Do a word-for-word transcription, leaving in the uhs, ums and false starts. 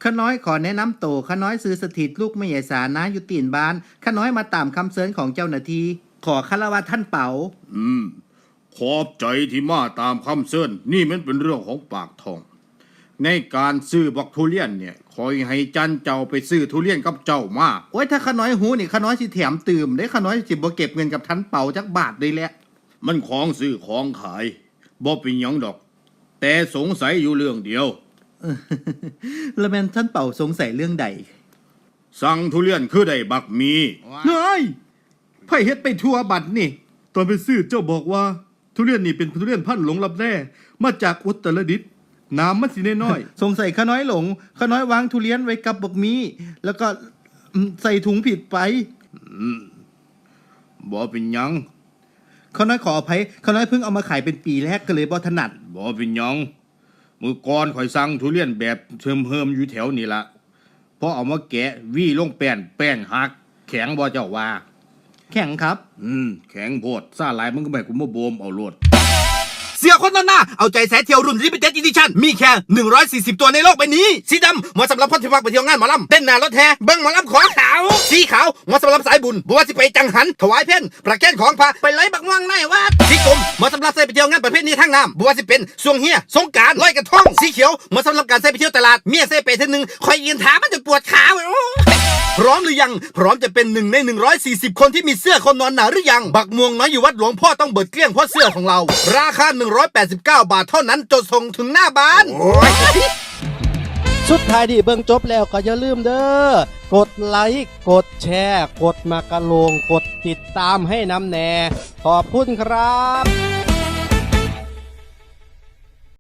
ข้าน้อยขอแนะนำโตข้าน้อยซื้อสถิตลูกไม่ใหญ่สานะอยู่ตีนบ้านข้าน้อยมาตามคำเสนอของเจ้าหน้าที่ขอคารวะท่านเป๋าอืมขอบใจที่มาตามคำเสนอนี่มันเป็นเรื่องของปากท้องในการซื้อบักทุเรียนเนี่ยคอยให้จันเจ้าไปซื้อทุเรียนกับเจ้ามาโอ้ยถ้าข้าน้อยหูนี่ข้าน้อยสิแถมตื่มได้ข้าน้อยสิบ่เก็บเงินกับท่านเป๋าจักบาทเลยแหละมันของซื้อของขายบ่เป็นหยังดอกแต่สงสัยอยู่เรื่องเดียวแล้วแม่นท่านเป๋าสงสัยเรื่องใดสั่งทุเรียนคือได้บักมีเฮ้ยไผเฮ็ดไปทั่วบัดนี่ตอนไปซื้อเจ้าบอกว่าทุเรียนนี่เป็นทุเรียนพันธุ์หลงลับแร่มาจากอุตรดิตถ์น้ำมันสิน้อยสงสัยข้าน้อยหลงข้าน้อยวางทุเรียนไว้กับบักมีแล้วก็ใส่ถุงผิดไปบ่เป็นหยังข้าน้อยขออภัยข้าน้อยเพิ่งเอามาขายเป็นปีแรกก็เลยบ่ถนัดบ่เป็นหยังมือก่อนข่อยสั่งทุเรียนแบบเทิมเฮิมอยู่แถวนี่ละพอเอามาแกะวี่ลงแป้นแป้งหักแข็งบ่เจ้าว่าแข็งครับอืมแข็งโพดซ่าหลายมึงก็ไม่กูมาโบมเอาโลดเสียคนนั้นหน้าเอาใจแสเที่ยวรุ่น Limited Edition มีแค่หนึ่งร้อยสี่สิบตัวในโลกใบนี้สีดำเหมาะสำหรับคนที่มักไปเที่ยวงานหมอลำเต้นหน้ารถแห่เบิ้งหมอลำขอขาวสีขาวเหมาะสำหรับสายบุญบัวสิไปจังหันถวายเพ่นประแคนของพระไปไล่บักม่วงในวัดสีกรมเหมาะสำหรับใส่ไปเที่ยวงานประเภทนี้ทั้งน้ำบัวสิเป็นสวงเฮียสงกรานต์ลอยกระทงสีเขียวเหมาะสำหรับการใส่ไปเที่ยวตลาดเมียใส่ไปเท่านึงคอยยืนถามมันจะปวดขาพร้อมหรือยังพร้อมจะเป็นหนึ่งในหนึ่งร้อยสี่สิบคนที่มีเสื้อคนนอนหนาวหรือยังบักม่วงน้อยอยู่วัดหลวงพ่อต้องเบิดเกลี้ยงเพราะเสื้อของเราราคาหนึ่งร้อยแปดสิบเก้าบาทเท่านั้นจนส่งถึงหน้าบ้านสุดท้ายที่เบิ่งจบแล้วก็อย่าลืมเด้อกดไลค์กดแชร์กดมากระโลงกดติดตามให้น้ำแน่ขอบคุณครับ